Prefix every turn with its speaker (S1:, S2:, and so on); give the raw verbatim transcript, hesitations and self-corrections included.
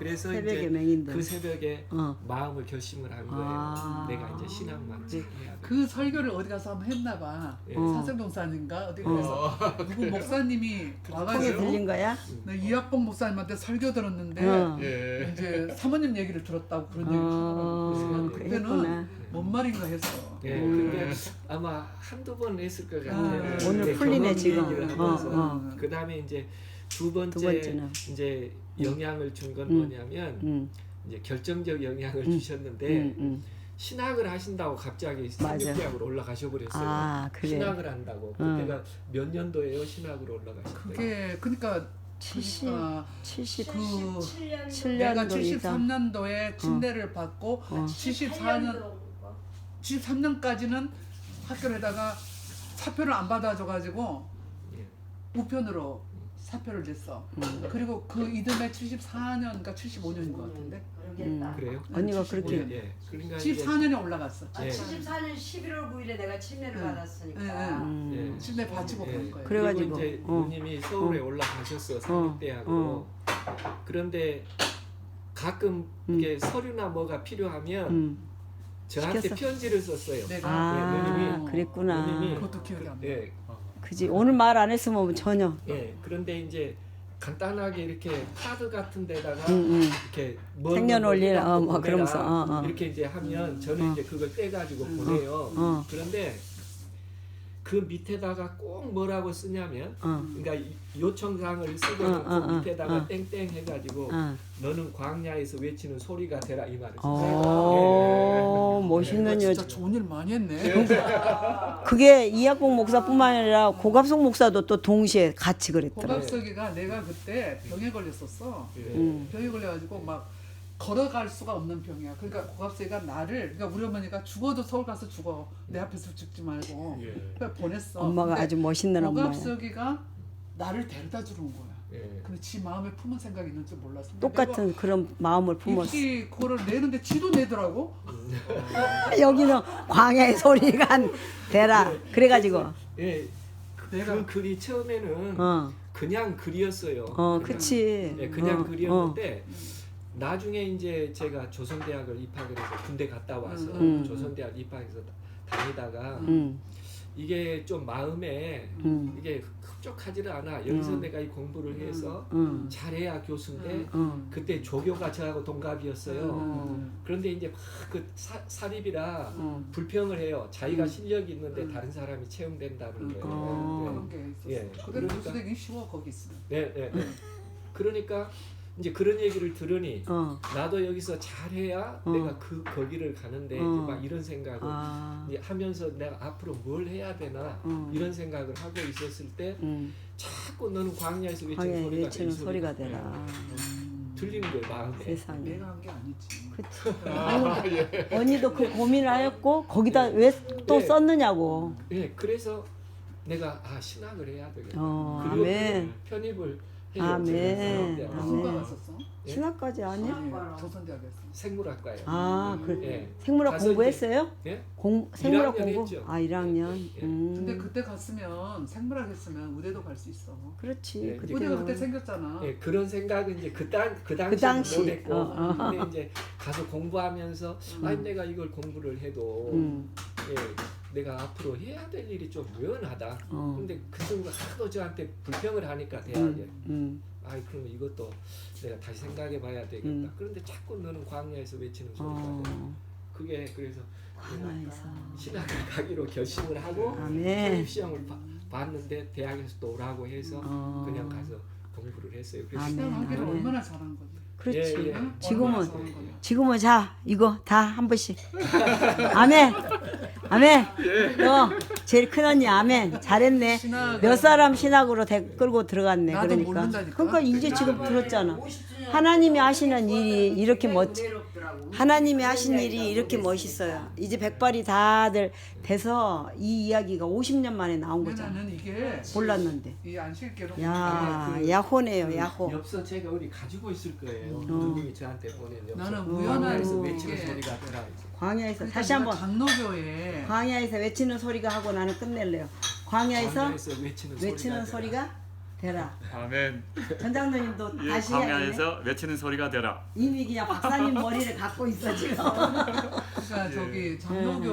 S1: 그래서
S2: 새벽에
S1: 이제
S2: 맹인들.
S1: 그 새벽에
S2: 어.
S1: 마음을 결심을 한 거예요.
S2: 아.
S1: 내가 이제 신앙만
S3: 이제
S1: 해야 돼.
S3: 그 설교를 어디 가서 한번 했나 봐.
S1: 예.
S2: 어.
S3: 사생동사님인가 어디
S2: 어.
S3: 가서 누구 목사님이
S2: 콩에
S3: 와가지고
S2: 들린 거야?
S3: 나 이학봉 목사님한테 설교 들었는데
S2: 어.
S4: 예.
S3: 이제 사모님 얘기를 들었다고 그런 얘기를 하더라고. 그래서 난
S2: 어,
S3: 그때는
S2: 그랬구나.
S3: 뭔 말인가 했어.
S1: 예,
S2: 음.
S1: 근데 아마 한두 번 했을 것 같아요.
S3: 아,
S1: 근데
S2: 오늘 풀리네,
S1: 경험
S2: 지금.
S1: 얘기를
S2: 어,
S1: 하면서
S2: 어.
S1: 그 다음에 이제 두 번째
S2: 두 번째는.
S1: 이제 영향을 준 건
S2: 음.
S1: 뭐냐면
S2: 응,
S1: 이제 결정적 영향을
S2: 음.
S1: 주셨는데
S2: 응, 응.
S1: 신학을 하신다고 갑자기
S2: 맞아.
S1: 삼육대학으로 올라가셔 버렸어요.
S2: 아, 그래.
S1: 신학을 한다고.
S2: 응.
S1: 그때가 몇 년도예요? 신학으로 올라가셨어요.
S3: 그게 그러니까
S2: 칠십,
S3: 그러니까
S2: 칠십,
S3: 그
S2: 칠
S3: 내가
S2: 년도 이상.
S3: 칠십삼 년도에 침대를 받고
S2: 어.
S3: 칠십사 년 칠십삼 년까지는 학교에다가 사표를 안 받아줘가지고
S1: 예.
S3: 우편으로 사표를 냈어.
S2: 음.
S3: 그리고 그 이듬해 칠십사 년, 그러니까 칠십오 년인 것 같은데.
S2: 음.
S1: 그래요?
S2: 언니가
S3: 칠십오
S2: 그렇게
S3: 년.
S1: 예. 그러니까
S3: 칠십사 년에 올라갔어.
S5: 아,
S1: 예.
S5: 칠십사 년 십일월 구일에 내가 침례를
S3: 응.
S5: 받았으니까.
S3: 응, 응.
S2: 음.
S1: 예.
S3: 침대 바치고
S1: 예.
S3: 간 거예요.
S2: 그래가지고,
S1: 그리고 이제
S2: 어.
S1: 누님이 서울에 올라가셨어 삼육대학으로.
S2: 어.
S1: 그런데 가끔
S2: 음.
S1: 이게 서류나 뭐가 필요하면
S2: 음.
S1: 저한테
S2: 시켰어?
S1: 편지를 썼어요.
S3: 내가
S2: 아,
S1: 예, 누님이-
S2: 그랬구나.
S1: 누님이-
S3: 그것도 기억이 안 나.
S1: 예,
S2: 그지. 오늘 말 안 했으면 전혀.
S1: 예. 그런데 이제 간단하게 이렇게 카드 같은 데다가
S2: 응, 응.
S1: 이렇게 뭐
S2: 생년월일,
S1: 뭐
S2: 어, 뭐
S1: 보내라.
S2: 그러면서, 어, 어.
S1: 이렇게 이제 하면 저는
S2: 어.
S1: 이제 그걸 떼가지고
S3: 음.
S1: 보내요.
S2: 어.
S1: 그런데 그 밑에다가 꼭 뭐라고 쓰냐면,
S2: 어,
S1: 그러니까 이- 요청사항을 쓰고
S2: 어, 어,
S1: 그
S2: 어,
S1: 밑에다가
S2: 어.
S1: 땡땡 해가지고
S2: 어.
S1: 너는 광야에서 외치는 소리가 되라 이 말을
S2: 어,
S1: 썼어요. 예.
S2: 멋있는
S3: 내가
S2: 여자.
S3: 진짜 좋은 일 많이 했네.
S2: 그게 이학봉 목사뿐만 아니라 고갑석 목사도 또 동시에 같이 그랬더라.
S3: 고갑석이가 내가 그때 병에 걸렸었어.
S1: 예.
S2: 음.
S3: 병에 걸려가지고 막 걸어갈 수가 없는 병이야. 그러니까 고갑석이가 나를, 그러니까 우리 어머니가 죽어도 서울 가서 죽어. 내 앞에서 죽지 말고.
S4: 예.
S3: 그래 보냈어.
S2: 엄마가
S3: 근데
S2: 아주 멋있는 엄마야.
S3: 고갑석이가 나를 데려다 주는 거야.
S1: 예.
S3: 근데 지 마음에 품은 생각이 있는 줄 몰랐어. 근데
S2: 똑같은 그런 마음을
S3: 내가
S2: 품었어.
S3: 입시 그거를 내는데 지도 내더라고.
S2: 여기는 광야의 소리가 안 되라. 그래가지고,
S1: 예.
S3: 내가
S1: 그 글이 처음에는
S2: 어,
S1: 그냥 글이었어요.
S2: 어,
S1: 그냥,
S2: 그치.
S1: 예, 그냥
S2: 어,
S1: 글이었는데 나중에 이제 제가 조선대학을 입학을 해서 군대 갔다 와서
S2: 음.
S1: 조선대학 입학해서 다니다가
S2: 어, 음,
S1: 이게 좀 마음에
S2: 음,
S1: 이게 흡족하지를 않아. 여기서
S2: 음.
S1: 내가 이 공부를 해서
S2: 음,
S1: 잘해야 교수인데
S3: 음.
S2: 음,
S1: 그때 조교가 저하고 동갑이었어요.
S2: 음.
S1: 그런데 이제 막 그 사립이라
S2: 음.
S1: 불평을 해요. 자기가
S2: 음.
S1: 실력이 있는데
S3: 음.
S1: 다른 사람이 채용된다는
S3: 음.
S1: 거예요.
S2: 어.
S3: 그런 게 있었어.
S1: 예.
S3: 그대로
S1: 그러니까-
S3: 교수 되기 쉬워 거기 있으면.
S1: 네, 네, 네. 그러니까 이제 그런 얘기를 들으니
S2: 어,
S1: 나도 여기서 잘해야
S2: 어.
S1: 내가 그 거기를 가는데
S2: 어.
S1: 이제 막 이런 생각을
S2: 아,
S1: 이제 하면서 내가 앞으로 뭘 해야 되나
S2: 어.
S1: 이런 생각을 하고 있었을 때
S2: 음,
S1: 자꾸 너는 광야에서 외치는
S2: 광야에
S1: 소리가
S2: 외치는
S1: 이
S2: 소리가
S1: 소리가
S2: 되라.
S3: 음.
S1: 들리는 거예요 마음에.
S2: 세상에.
S3: 내가 한 게 아니지.
S2: 그치.
S4: 아, 예.
S2: 언니도 그 고민을 하였고 거기다 왜 또
S1: 네.
S2: 썼느냐고.
S1: 예, 그래서 내가 아 신학을 해야 되겠다.
S2: 어,
S1: 그리고
S2: 아멘.
S1: 편입을 해요.
S2: 아멘.
S1: 제가
S3: 무슨
S2: 아멘.
S3: 과 갔었어?
S1: 예?
S2: 신학까지 아니야?
S3: 아니, 조선대학에서.
S1: 생물학과요.
S2: 아, 그
S1: 예.
S2: 생물학
S1: 가서
S2: 공부했어요?
S1: 예?
S2: 공 생물학
S1: 일 학년
S2: 공부?
S1: 했죠.
S2: 아, 일 학년.
S1: 예.
S2: 음.
S3: 근데 그때 갔으면 생물학 했으면 의대도 갈 수 있어.
S2: 그렇지.
S1: 예,
S2: 그때는.
S3: 의대가 그때 생겼잖아.
S1: 예, 그런 생각은 이제 그당 그 당시
S2: 그 당시.
S1: 못했고
S2: 어, 어.
S1: 근데 이제 가서 공부하면서 아니 내가 이걸 공부를 해도
S2: 음.
S1: 예, 내가 앞으로 해야 될 일이 좀 유연하다.
S2: 어.
S1: 근데 그 친구가 하도 저한테 불평을 하니까 대학에
S2: 음. 음.
S1: 아이 그러면 이것도 내가 다시 생각해-봐야 되겠다.
S2: 음.
S1: 그런데 자꾸 너는 광야에서 외치는 소리가 돼.
S2: 어.
S1: 그게 그래서
S2: 광야에서.
S1: 신학을 가기로 결심을 하고
S2: 아멘.
S1: 선입 시험을 봐- 봤는데 대학에서 또 오라고 해서
S2: 어.
S1: 그냥 가서 공부를 했어요. 그래서
S2: 아멘.
S3: 신앙하기를
S2: 아멘.
S3: 얼마나 잘한 거지.
S2: 그렇지.
S1: 예, 예.
S2: 지금은
S3: 얼마나 잘한 거야.
S2: 지금은 자 이거 다 한 번씩. 아멘. 아멘. 너 제일 큰 언니 아멘. 잘했네.
S3: 신학-
S2: 몇 사람 신학으로 대, 끌고 들어갔네.
S3: 나도
S2: 그러니까.
S3: 모른다니까.
S2: 그러니까 이제 지금 들었잖아. 하나님이 하시는 일이 이렇게 멋지. 하나님이 하신 일이 이렇게 멋있어요. 이제 백발이 다들 돼서 이 이야기가 오십 년 만에 나온
S3: 근데
S2: 거잖아.
S3: 나는 이게
S2: 몰랐는데.
S3: 이 안식계로
S2: 야,
S1: 그
S2: 야호네요, 야호.
S1: 엽서 제가 어디 가지고 있을 거예요.
S2: 어.
S1: 누님이 저한테 보낸 엽서.
S3: 나는
S2: 우연한
S1: 광야에서
S3: 게-
S1: 외치는 소리가 들어.
S2: 광야에서
S3: 그러니까
S2: 다시 한번
S3: 내가 장로교에
S2: 광야에서 외치는 소리가 하고 나는 끝낼래요. 광야에서
S1: 광야에서 외치는,
S2: 외치는
S1: 소리가,
S2: 소리가 되라.
S4: 아멘.
S2: 전장로님도
S4: 예,
S2: 다시 해야겠네.
S4: 광야에서 외치는 소리가 되라.
S2: 이미 그냥 박사님 머리를 갖고 있어 지금.
S3: 그러니까 저기 장로교